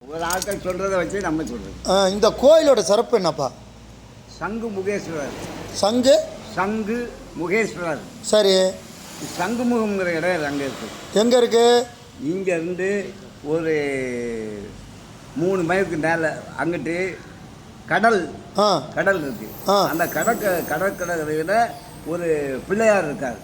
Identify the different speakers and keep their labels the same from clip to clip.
Speaker 1: ஒரு ஆட்கள் சொல்கிறத வச்சு நம்ம சொல்கிறது.
Speaker 2: இந்த கோயிலோட சிறப்பு என்னப்பா?
Speaker 1: சங்கு முகேஸ்வரர்.
Speaker 2: சங்கு
Speaker 1: சங்கு முகேஸ்வரர்.
Speaker 2: சரி.
Speaker 1: சங்குமுகம்ங்கிற இடம் அங்கே இருக்குது.
Speaker 2: எங்கே இருக்குது?
Speaker 1: இங்கேருந்து ஒரு 3 மைலுக்கு மேலே அங்கிட்டு கடல் கடல் இருக்குது. அந்த கடற்கரையில் ஒரு பிள்ளையார் இருக்கார்.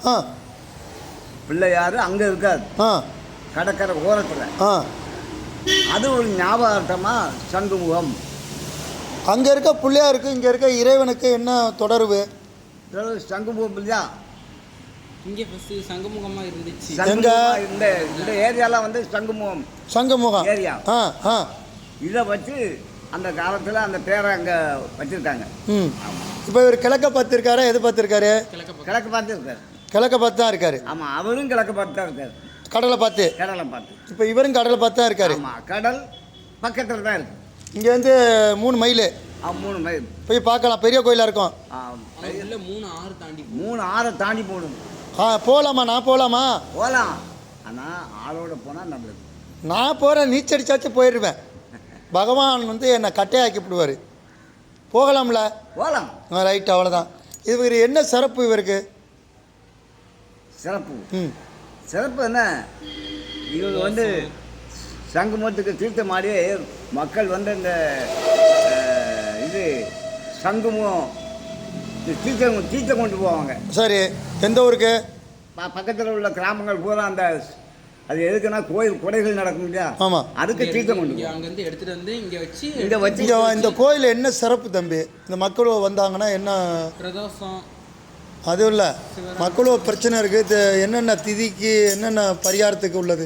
Speaker 1: பிள்ளையார் அங்கே இருக்கார் கடற்கரை ஓரத்தில். அது ஒரு ஞாபகார்த்தமாக சங்குமுகம்.
Speaker 2: அங்கே இருக்க பிள்ளையாருக்கு இங்கே இருக்க இறைவனுக்கு என்ன தொடர்பு?
Speaker 1: சங்குமுகம் இல்லையா?
Speaker 3: இங்கே ஃபஸ்ட்டு சங்குமுகமாக இருந்துச்சு.
Speaker 1: இந்த ஏரியாலாம் வந்து சங்குமுகம்
Speaker 2: சங்குமுகம்
Speaker 1: ஏரியா. இதை வச்சு அந்த காலத்தில் அந்த பேரை அங்கே வச்சுருக்காங்க.
Speaker 2: இப்போ இவர் கிழக்க பார்த்துருக்காரா எது பார்த்துருக்காரு?
Speaker 1: கிழக்கு பார்த்து இருக்காரு.
Speaker 2: கிழக்க பார்த்து தான் இருக்காரு.
Speaker 1: ஆமாம், அவரும் கிழக்கு பார்த்து தான் இருக்காரு.
Speaker 2: கடலை பார்த்து.
Speaker 1: கடலை பார்த்து.
Speaker 2: இப்போ இவரும் கடலை பார்த்து தான் இருக்காரு.
Speaker 1: ஆமாம், கடல் பக்கத்தில் தான் இருக்கு.
Speaker 2: இங்கேருந்து 3 மைல்.
Speaker 1: 3 மைல்
Speaker 2: போய் பார்க்கலாம். பெரிய கோயிலாக இருக்கும்.
Speaker 3: 3 ஆறு தாண்டி
Speaker 1: 3 ஆறை தாண்டி போகணும்.
Speaker 2: போகலாமா? நான் போகலாமா?
Speaker 1: போகலாம். ஆனால் ஆளோட போனால் நம்மளுக்கு.
Speaker 2: நான் போகிறேன், நீச்சடிச்சாச்சும் போயிடுவேன். பகவான் வந்து என்னை கட்டையாக்கி விடுவார். போகலாம்ல?
Speaker 1: போகலாம்.
Speaker 2: ரைட், அவ்வளோதான். இவர் என்ன சிறப்பு இவருக்கு?
Speaker 1: சிறப்பு சிறப்பு என்ன? இவங்க வந்து சங்குமுகத்துக்கு தீர்த்தமாடி மக்கள் வந்து இந்த இது சங்குமுகம் தீர்த்தம் கொண்டு போவாங்க.
Speaker 2: சரி. எந்த ஊருக்கு?
Speaker 1: பக்கத்தில் உள்ள கிராமங்கள் பூரா அந்த அது எதுக்குன்னா கோயில் கொடைகள் நடக்கும் இல்லையா?
Speaker 2: ஆமாம்,
Speaker 1: அதுக்கு தீர்த்தம் கொண்டு
Speaker 3: அங்கேருந்து எடுத்துகிட்டு வந்து இங்கே வச்சு
Speaker 2: இந்த கோயில் என்ன சிறப்பு தம்பி? இந்த மக்களும் வந்தாங்கன்னா என்ன
Speaker 3: பிரதோஷம்
Speaker 2: அதுவும் இல்லை, மக்களும் பிரச்சனை இருக்குது. இது என்னென்ன திதிக்கு என்னென்ன பரிகாரத்துக்கு உள்ளது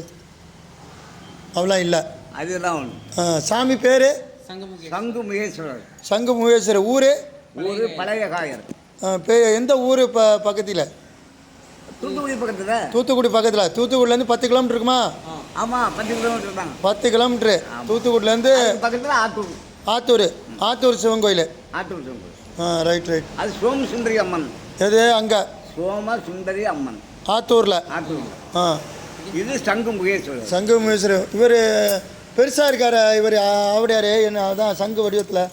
Speaker 2: அவ்வளோ இல்லை.
Speaker 1: அதுதான் ஒன்று.
Speaker 2: சாமி பேர்
Speaker 1: சங்கு முகேஸ்வரர்.
Speaker 2: சங்கு முகேஸ்வரர். ஊர்
Speaker 1: பழைய காயர்.
Speaker 2: எந்த ஊர் பக்கத்தில்?
Speaker 1: தூத்துக்குடி பக்கத்தில்.
Speaker 2: தூத்துக்குடி பக்கத்தில். தூத்துக்குடிலேருந்து 10 கிலோமீட்டர் இருக்குமா?
Speaker 1: ஆமாம், 10 கிலோமீட்டர் தான்.
Speaker 2: 10 கிலோமீட்ரு தூத்துக்குடிலேருந்து.
Speaker 1: பக்கத்தில் ஆத்தூர்.
Speaker 2: ஆத்தூர். ஆத்தூர் சிவன் கோயில்.
Speaker 1: ஆத்தூர் சிவன் கோயில்.
Speaker 2: Right right.
Speaker 1: அது சோம சுந்தரி அம்மன்.
Speaker 2: எது அங்கே?
Speaker 1: சோம சுந்தரி அம்மன்
Speaker 2: ஆத்தூரில்.
Speaker 1: ஆத்தூர். இது சங்கு முகேஸ்வரர்.
Speaker 2: சங்கு முகேஸ்வரர். இவர் பெருசாக இருக்கார். இவர் ஆவடியார். என்ன அதான் சங்கு வடிவத்தில்.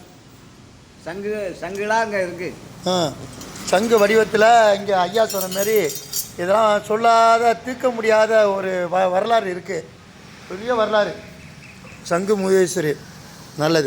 Speaker 1: சங்குலாம் அங்கே இருக்குது.
Speaker 2: சங்கு வடிவத்தில் இங்கே ஐயா சொன்ன மாரி இதெல்லாம் சொல்லாத தீர்க்க முடியாத ஒரு வரலாறு இருக்குது. பெரிய வரலாறு. சங்கு முகேஸ்வரி. நல்லது.